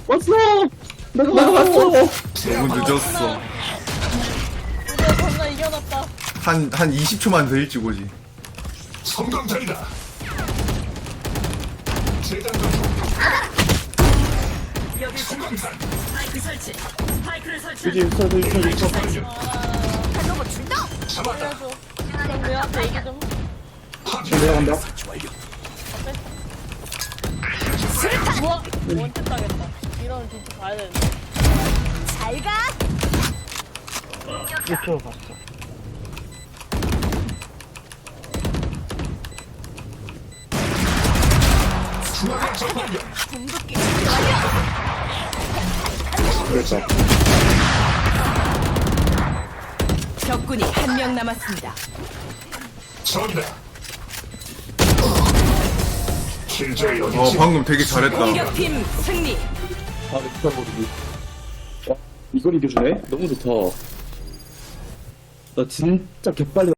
왔어! 내가 왔어! 너무 늦었어. 드디어 겁나 이겨놨다. 한 20초만 더 일찍 오지. 성광탄이다. 재장전 중. 성광탄. 그지, 있어. 잡았다. 알려줘. 그럼 내한테 얘기 좀. 내가 간다. 우와! 원뜻 당했다. 이러면 진짜 가야 되는데. 그쵸, 봤어. 중앙 적발견. 그랬다. 적군이 한 명 남았습니다. 적이다. 킬조이 어디지? 방금 되게 잘했다. 공격팀 승리. 아, 진짜 모르기. 이걸 이겨주네? 너무 좋다. 나 진짜 개빨리